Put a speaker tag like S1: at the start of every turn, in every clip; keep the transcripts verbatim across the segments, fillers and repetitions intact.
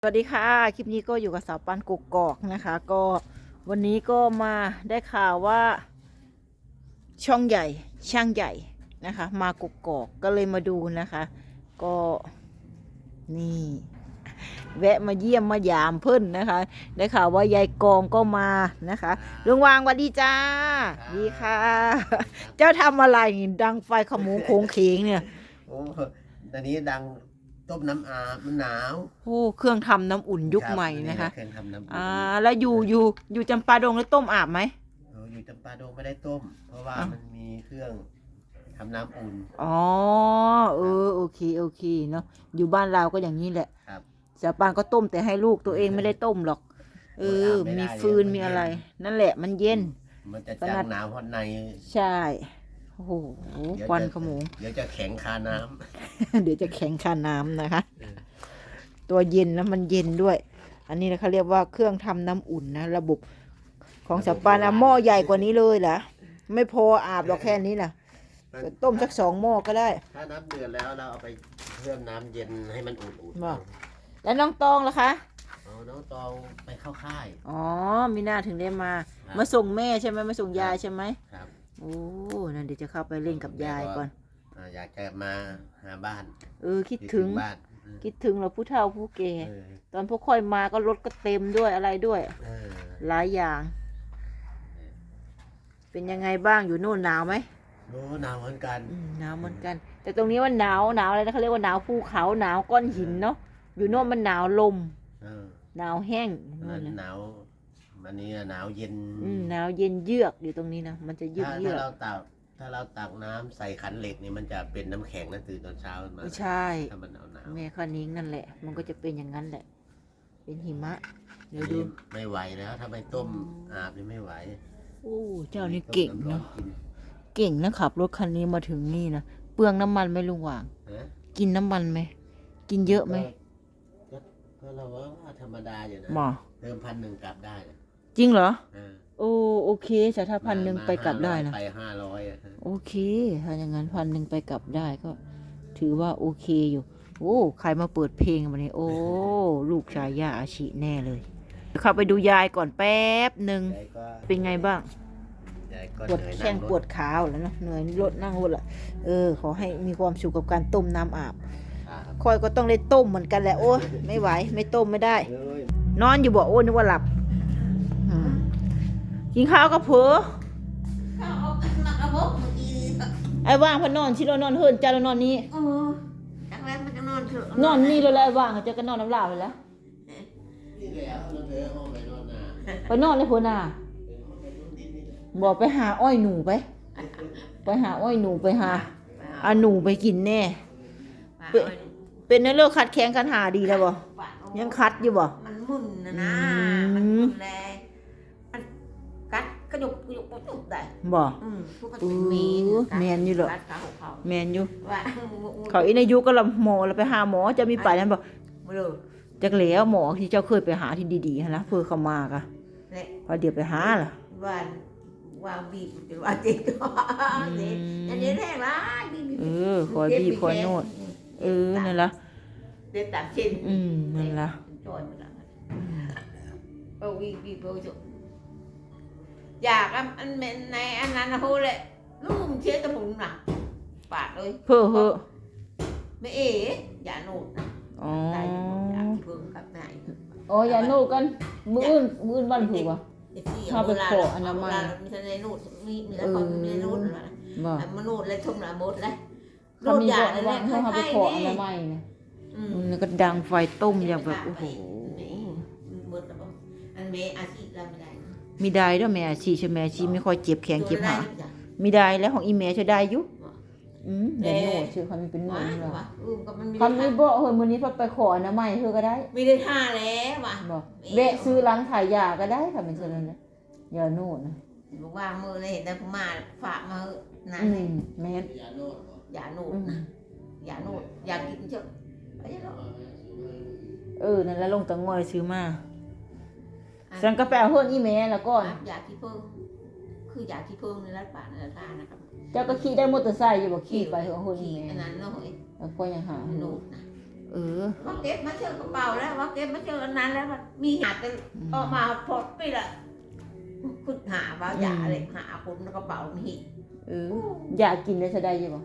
S1: สวัสดีค่ะคลิปนี้ก็อยู่กับสาวปันกกอกนะคะก็วันนี้ก็มาได้ข่าวว่าช่องใหญ่ช่างใหญ่นะคะมากกอกก็เลยมาดูนะคะก็นี่แวะมาเยี่ยมมายามเพิ่นนะคะได้ข่าวว่ายายกองก็มานะคะลุงวางสวัสดีจ้าดีค่ะเจ้าทำอะไรดังไฟขโมงโค้งเขงเนี่ย
S2: โอ้ตอนนี้ดังต้มน้ำอาบมันหนาว
S1: โอ้เครื่องทำน้ำอุ่นยุคใหม่นะคะ
S2: เครื่องทำน้ำอุ่น
S1: อ่าแล้วอยู่อยู่อยู่จำปาดงแล้วต้มอาบไหม
S2: เอออยู่จำปาดงไม่ได้ต้ม เพราะว่ามันมีเครื่องทำน้ำอุ่น
S1: อ๋อเออโอเคโอเคเนาะอยู่บ้านเราก็อย่างนี้แหละ
S2: ครับ
S1: สาวปานก็ต้มแต่ให้ลูกตัวเองไม่ได้ต้มหรอกเออมีฟืนมีอะไร นั่นแหละมันเย็น
S2: มันจะจังหนาวเพราะใน
S1: ใช่โอ้โหควันขโมง
S2: เดี๋ยวจะแข็งคาน้
S1: ำ เดี๋ยวจะแข็งคาน้ำนะคะตัวเย็นแล้วมันเย็นด้วยอันนี้นะเขาเรียกว่าเครื่องทำน้ำอุ่นนะระบบของสาวปานอะหม้อใหญ่กว่านี้เลยเหรอไม่พออาบหรอกแค่นี้นะต้มสักสองหม้อก็ได้
S2: ถ้าน้ำเดือดแล้วเราเอาไปเพิ่มน้ำเย็นให้มันอุ่น
S1: ๆแล้วน้องตองล่ะคะ
S2: อ๋อน้องตองไปเข้าค่าย
S1: อ๋อมีหน้าถึงได้มามาส่งแม่ใช่ไหมมาส่งยายใช่ไหม
S2: ครับ
S1: โอ้นั่นเดี๋ยวจะเข้าไปเล่นกับยายก่อน
S2: อยากจะมาหาบ้าน
S1: เออคิดถึง
S2: บ้าน
S1: คิดถึงเราผู้เฒ่าผู้แก่ตอนพวกค่อยมาก็รถก็เต็มด้วยอะไรด้วยหลายอย่างเป็นยังไงบ้างอยู่โน่นหนาวไหม
S2: โน้หนาวเหมือนกัน
S1: หนาวเหมือนกันแต่ตรงนี้มันหนาวหนาวอะไรนะเขาเรียกว่าหนาวภูเขาหนาวก้อนหินเนาะอยู่โน่นมันหนาวลมหนาวแห้ง
S2: หนาวอันนี้หนาวเย็น
S1: หนาวเย็นเยือกอยู่ตรงนี้นะมันจะเยือกเยือก
S2: ถ้าเราตักถ้าเราตักน้ำใส่ขันเหล็กนี่มันจะเป็นน้ำแข็งนั่นตื่นตอนเช้ามา
S1: ใช่
S2: ถ้ามันหนาวหนาว
S1: แม่ข้านิ้งนั่นแหละมันก็จะเป็นอย่างนั้นแหละเป็นหิมะเดี๋ยวดู
S2: ไม่ไหวแล้วถ้าไม่ต้มอาบนี่ไม่ไหว
S1: โอ้เจ้านี่เก่งเนาะเก่งนะขับรถคันนี้มาถึงนี่นะเปลืองน้ำมันไหมลุงหว่างกินน้ำมันไหมกินเยอะไหม
S2: ก็เราว่าธรรมดาอยู่นะเติมพันหนึ่งกลับได้
S1: จริงเหรอโอ้โอเคแต่ถ้าพันหนึ่งไปกลับได้นะ
S2: ไปห้าร้อย
S1: โอเคถ้าอย่างนั้นพันหนึ่งไปกลับได้ก็ ถือว่าโอเคอยู่โอ้ใครมาเปิดเพลงมาเนี่ยโอ้ลูกชายย่าอาชิแน่เลยเข้าไปดูยายก่อนแป๊บหนึ่งเป็นไงบ้างปวดแข้งปวดขาแล้วนะเหนื่อยรถนั่งรถละเออขอให้มีความสุขกับการต้มน้ำอาบคอยก็ต้องได้ต้มเหมือนกันแหละโอ้ไม่ไหวไม่ต้มไม่ได้นอนอยู่บ่โอ้นึกว่าหลับกินข้าวกับเผือไอ้ว่างพนอนชิโรนอนเฮินจ้าเรานอนนี้
S3: จังแล้วมันจะนอนเถอะ
S1: นอนนี่เลยแล้วว่างจะก็นอนน้ำลายไปแล้วไปนอนเลยพนาบอกไปหาอ้อยหนูไปไปหาอ้อยหนูไปหาอาหนูไปกินแน่เป็นในเรื่องคัดแข้งคันหาดีแล้วบ่ยังคัดอยู่บ่
S3: มันมึนนะนะมันมึนแรงมันกัดกระยุกกระยุกปุ๊บได้
S1: บ่
S3: อืม
S1: อือแมนอยู่หรอแมนอยู่เขาอีในยุก็ละหมอแล้วไปหาหมอจะมีไปนั้นบ่จักแล้วหมอที่เจ้าเคยไปหาที่ดีๆนะเพื่อเขามากะพอเดี๋ยวไปหาล่ะ
S3: วันวางบีบเป็นวันเจ็ดอันนี้แรกละ
S1: เออคอยบีบคอยโนดเออนั่นล่ะ
S3: เด็ดตัดชิ้น
S1: อืมนั่นล่ะ
S3: จอยหมดละเอาบีบบีบเอาจุอยากอันเป็นในอันนั้นนะพูดเลยลูกเชื่อตะพุงน่ะปาดเลย
S1: เพ้อเพ้อ
S3: ไม่เอ๋อย่าโนดนะ
S1: อ๋อ
S3: อยากเพิ่มกับไหน
S1: อ๋ออย่าโนดกันมืออื่นมืออื่นวันถูกป่ะถ้าไปขออนามัย
S3: มีทะเลนูดมีมีแล้วคนมีนูดอะไรมันนูดเลยทุ่มหนาหมดเลย
S1: นูดอย่างนั้นเขาไปขออนามัยเนี่ยมันก็ดังไฟต้มอย่างแบบโอ้โห
S3: อันเมอาชีพเราไม่ได้
S1: มีได้ด้วยแม่อาชีใช่ไหมอาชีไม่ค่อยเจ็บแขนเจ็บขามีได้แล้วของอีเมย์จะได้ยุอืมเดี๋ยวโน่ชื่อเขามีเป็นโน่เหรอคำนี้บอกเฮ้ยมื้อนี้พอไปขออนามัยเธอก็ได้
S3: ไม่ได้ท่าแล้วว่ะ
S1: บอกเวะซื้อร้านขายยาก็ได้ค่ะเป็นเช่นนั้นนะยาโน่นะ
S3: บอกว่ามือเลยเห็นแต่มาฝากมานั่น
S1: เลยแม่
S3: ยาโน่ยาโน่ยาโน่อยากกินเจ้า
S1: เออนั่นแล้วลงตังงอยซื้อมาสังกาแฟเฮิร์นอีเมลแล้วก็
S3: อยากที่เพิ่มคืออยากที่เพิ่มในรัฐบาลในรัฐบาลนะครับ
S1: เจ้าก็ขี่ได้มอเตอร์ไซค์อยู่บ่ขี่ไปเฮิร์นอีเมล
S3: อันนั้นเนาะ
S1: แล้วก็ยังหา
S3: โน่นะ
S1: เเออ
S3: ว่าเก็บมาเชื่อกระเป๋าแล้วว่าเก็บมาเชื่ออันนั้นแล้วมันมีหาแต่ออกมาพดไปละคุณหาว่าอย่าอะไรหาคนกระเป๋ามี
S1: เอออยากกินได้ซะได้อยู่บ่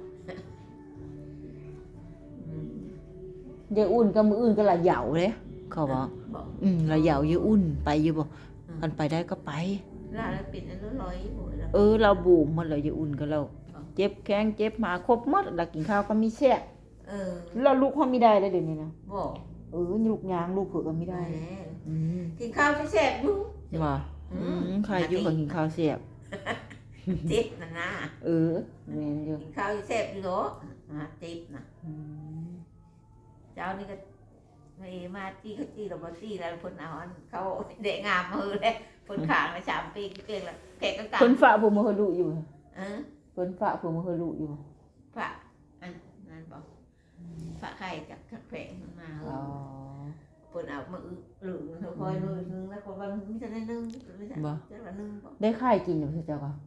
S1: เดี๋ยวอุ่นก็มืออื่นก็ละเหยาเลยเขาบอก
S3: บอก
S1: อืมละเหยาอยู่อุ่นไปอยู่บ่มันไปได้ก็ไป
S3: แล้วอะไรปิดอันนั้นร้อยหมดแล้ว
S1: เออเราบูมมันเลยอยู่อุ่นก็เราเจ็บแข้งเจ็บมาครบหมดแล้วกินข้าวก็มีแซ่บ
S3: เออ
S1: เราลูกเขาไม่ได้เลยเดี๋ยวนี้นะ
S3: บอก
S1: เออลูกยางลูกเผือกก็ไม่ได้
S3: แหม
S1: อืม
S3: กินข้าวไม่แซ่บอยู่
S1: ว่าอืมใครอยู่กับกินข้าวแซ่บ
S3: เจ็บนะนะ
S1: เออแม่นอยู่
S3: กินข้าวแซ่บอยู่เนาะอ่าเจ็บนะ
S1: อืม
S3: เจ้านี่ก็ไม่มาจี้เขาจี้เราบ่จี้แล้วเพิ่นเอาอันเขาเด็กงามมือเลยเพิ่นขางมาสามปีเก่งละแขกก็กลับ
S1: เพิ่นฝากผมมาเฮาลูกอยู่
S3: เออ
S1: เพิ่นฝากผมมาเฮาลูกอยู่
S3: ฝะอันนั้นบอกฝะไข่จากแขกมันมาเอ
S1: อ๋อ
S3: อเพิ่นเอามาอึหรือเธอคอยเลยนึงแล้วก็ว่ามีแต่ได้นึงไม่ใช่จะละนึงบอก
S1: ได้ค่ายกินอยู่เจ้าก็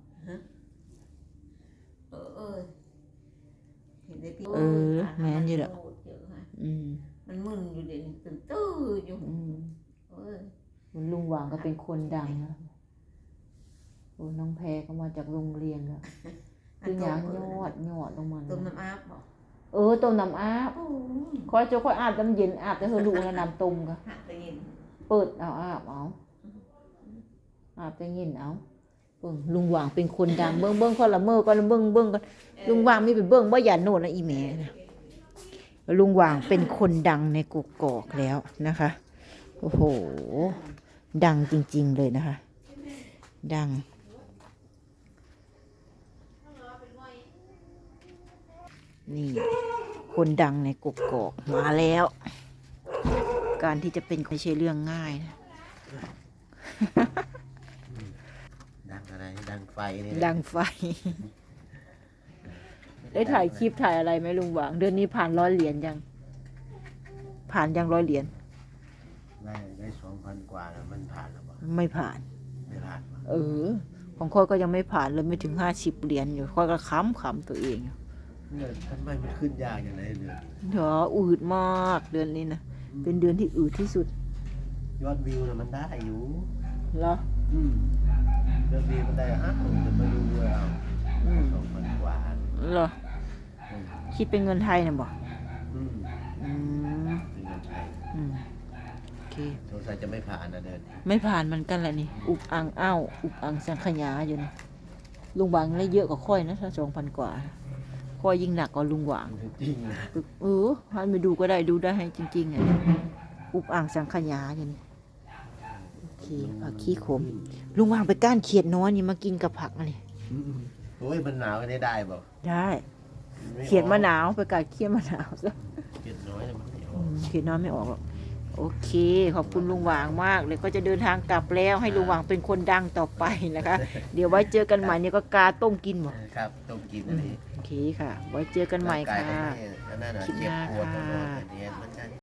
S3: เออเออเห็นได้พี่
S1: เออแม่นอยู่ดอก อืม
S3: มันมึนอยู่เดี๋ยวนี้ตื่นตื้ออยู่
S1: อืม
S3: เออ
S1: ลุงหว่างก็เป็นคนดังนะโอ้น้องแพรก็มาจากโรงเรียนแล้วคือหยางยอดยอดลงมา
S3: ต้มน้ำอาบบอก
S1: เออต้มน้ำอาบ
S3: โอ้
S1: คอยเจ้าคอยอาบน้ำเย็นอาบแต่เฮาลูกแล้วน้ำต้มก็
S3: หักไปยิน
S1: เปิดเอาอาบเอาอาบแต่เย็นเอาเบิ่งลุงหว่างเป็นคนดังเบิ่งเบิ่งคนละเมอก็ละเบิ่งเบิ่งกันลุงหว่างมีไปเบิ่งบ่อย่าโน่นนะอีแม่นะลุงหว่างเป็นคนดังในกกอกแล้วนะคะโอ้โหดังจริงๆเลยนะคะ ดังนี่คนดังในกกอกมาแล้ว การที่จะเป็นไม่ใช่เรื่องง่ายนะ
S2: ดังอะไรดังไฟนี่
S1: ดังไฟ ได้ถ่ายคลิปถ่ายอะไรไหมลุงหวางเดือนนี้ผ่านร้อยเหรียญยัง ผ่านยังร้อยเหรียญ
S2: ได้ได้สองพันกว่าแล้วมันผ่านแล้วบ่
S1: ไม่ผ่าน
S2: ไม่ผ่านบ่
S1: เออ ของค่อยก็ยังไม่ผ่านเลยไม่ถึงห้าสิบเหรียญอยู่ค่อยก็ค้ำขำตัวเองอยู่
S2: เนี่ยทำไมมันขึ้นยากอย่างไรเดือน
S1: เดี๋ยวอืดมากเดือนนี้นะเป็นเดือนที่อืดที่สุด
S2: ยอดวิวน่ะมันได้อยู่
S1: เหรอ
S2: อืมยอดวิวมันได้ห้าหมื่นจะมาดูด้วยเอา
S1: อืม
S2: สองพันกว่า
S1: เหรอ
S2: อืม
S1: คิดเป็นเงินไทยนะบอก
S2: อืม
S1: อืม
S2: เป็นเงินไทย
S1: อืมโอเค
S2: สงสัยจะไม่ผ่านนะเดิน
S1: ไม่ผ่านมันกันแหละนี่ อุกอังอ้าวอุกอังสังขยาอยู่นะลุงหวางได้เยอะกว่าค่อยนะถ้าสองพันกว่าค่อยยิ่งหนักกว่าลุงหวาง
S2: จริงนะ
S1: เออให้ไปดูก็ได้ดูได้ให้จริงๆอ่ะอุกอังสังขยาอยู่นี่โอเคผักขี้ขมลุงหวางไปก้านเขียดน้อยนี่มากินกับผักอะไร
S2: อืมโอ้ยมันหนาวกันได้ได้บ่
S1: ได้
S2: ไออก
S1: เขียดมะนาวไปกัดเขียดมะนาวซะ
S2: เขียดน้อยน่ะมันไม่อ
S1: อื
S2: อก
S1: มเขียดน้อยไม่ออกหรอกโอเค ขอบคุณลุงหวางมากเลยก็จะเดินทางกลับแล้วให้ลุงหวางเป็นคนดังต่อไปนะคะ เดี๋ยวไว้เจอกันใหม่เนี่ยก็กาต้มกินหมด
S2: ครับต้องกินอันนี้
S1: โอเคค่ะ ไว้เจอกันใหม่ค่ะ
S2: ร่างกายเขาไม่อันนั่นน่ะ
S1: คลิปห
S2: เจ็บ
S1: น้า
S2: ปวดตลอด
S1: ค่ะ
S2: อันนี้มันจะ